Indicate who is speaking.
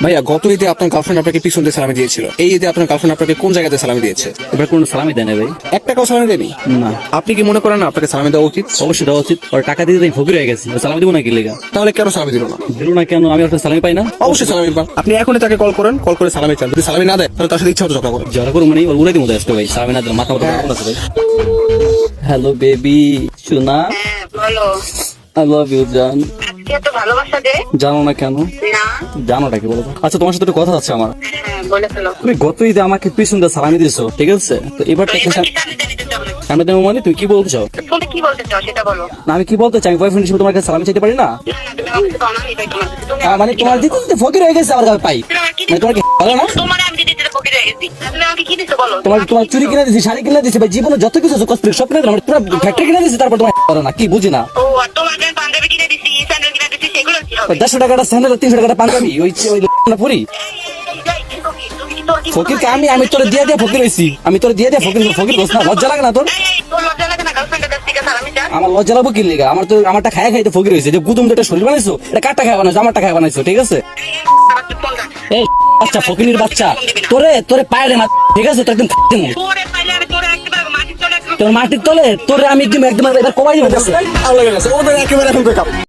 Speaker 1: ভাইয়া গত ঈদে আপনার গার্লফ্রেন্ড আপনাকে পিছন দিয়ে সালামি দিয়েছিল, এই ঈদে আপনার গার্লফ্রেন্ড আপনাকে কোন জায়গাতে সালামি দিয়েছে?
Speaker 2: এবার কোনো সালামি দেয় না ভাই।
Speaker 1: এক টাকাও সালামি দেয়নি?
Speaker 2: না,
Speaker 1: আপনি কি মনে করেন না আপনাকে সালামি দেওয়া উচিত?
Speaker 2: অবশ্যই দেওয়া উচিত। ওর টাকা দিয়ে ফকির হয়ে গেছে, সালামি দিব না কি লেগা?
Speaker 1: তাহলে কেন সালামি দিল না?
Speaker 2: দিল না কেন? আমি আপনার সালামি পাই না?
Speaker 1: অবশ্যই সালামি পান। আপনি এখনই তাকে কল করেন, কল করে সালামি চান। যদি সালামি না দেয় তাহলে তার সাথে ইচ্ছা মতো ঝগড়া করেন।
Speaker 2: ঝগড়া করবো মানে ওর উড়াই দিব আসতে ভাই, সালামি না দিলে মাথা মাথা আছে ভাই। হ্যালো বেবি, শোনা,
Speaker 3: হ্যাঁ বলো।
Speaker 2: আই লাভ ইউ জান।
Speaker 3: আজকে এত ভালোবাসা দে
Speaker 2: জানো না কেন?
Speaker 3: না।
Speaker 2: জানোটা কি বলো তো? আচ্ছা তোমার সাথে একটু কথা আছে আমার।
Speaker 3: হ্যাঁ বলে ফেলো।
Speaker 2: তুমি গত ঈদে আমাকে পিছন দিয়ে সালামি দিয়েছো, ঠিক আছে? তো এবার
Speaker 3: তো
Speaker 2: থেকে
Speaker 3: এবার কি সামনে দিতে চাও নাকি?
Speaker 2: সামনে দেবো মানে তুমি কি বলছো?
Speaker 3: তুমি কি বলতে চাও সেটা বলো।
Speaker 2: না আমি কি বলতে চাই, বয়ফ্রেন্ড হিসেবে তোমার কাছে সালামি চাইতে পারি না?
Speaker 3: না, তুমি আমাকে তো অনামি তাই তোমার কাছে। তুমি
Speaker 2: মানে তোমার দিতে দিতে ফকির হয়ে গেছে আমার কাছে পাই।
Speaker 3: তুমি আমাকে কি
Speaker 2: মানে তোমার কি ভালো না?
Speaker 3: তোমার আমি দিতে দিতে ফকির হয়ে গেছি। তুমি আমাকে কি দিছো বলো।
Speaker 2: তোমার তোমার চুরি কিনে দিছি, শাড়ি কিনে দিছি ভাই, জীবনে যত কিছু আছে কসমেটিক সব কিনে দিলাম, পুরো ফ্যাক্টরি কিনে দিছি, তারপর তোমার ভালো না কি বুঝি না?
Speaker 3: ও আর তোমার জন্য পাঞ্জাবি কিনে দিছি, স্যান্ডেল কিনে দিছি, সেগুলো কি হবে?
Speaker 2: 150 টাকাটা স্যান্ডেল, 300 টাকাটা পাঞ্জাবি, ওই না পুরি
Speaker 3: তুমি কি তোর কি
Speaker 2: ফকির কে আমি তোরে দিয়ে দিয়ে ফকির হইছি, আমি তোরে দিয়ে দিয়ে ফকির ফকির বস না, লজ্জা লাগে না তোর?
Speaker 3: তোর লজ্জা লাগে না গার্লফ্রেন্ডের কাছ থেকে সালামি চান?
Speaker 2: আমার লজ্জা লাগবো কি লেগা? আমার তো আমারটা খায় খাইতে ফকির হইছে, যে গুদুম যেটা শরীর বানাইছো এটা কাটটা খায় বানাইছো, আমারটা খায় বানাইছো, ঠিক আছে?
Speaker 3: আমার তো ফোন দাও।
Speaker 2: এই বাচ্চা ফকিনির বাচ্চা, তোরে পায়ে রে মা, ঠিক আছে? তো একদম
Speaker 3: তোরে পাইলে আমি তোরে একবার মাটির তলে
Speaker 2: তোর মাটির তলে তোরে আমি একদম একদম এবার কমাই দিব।
Speaker 1: ভালো লেগে গেছে, ওদের একেবারে এখন break up।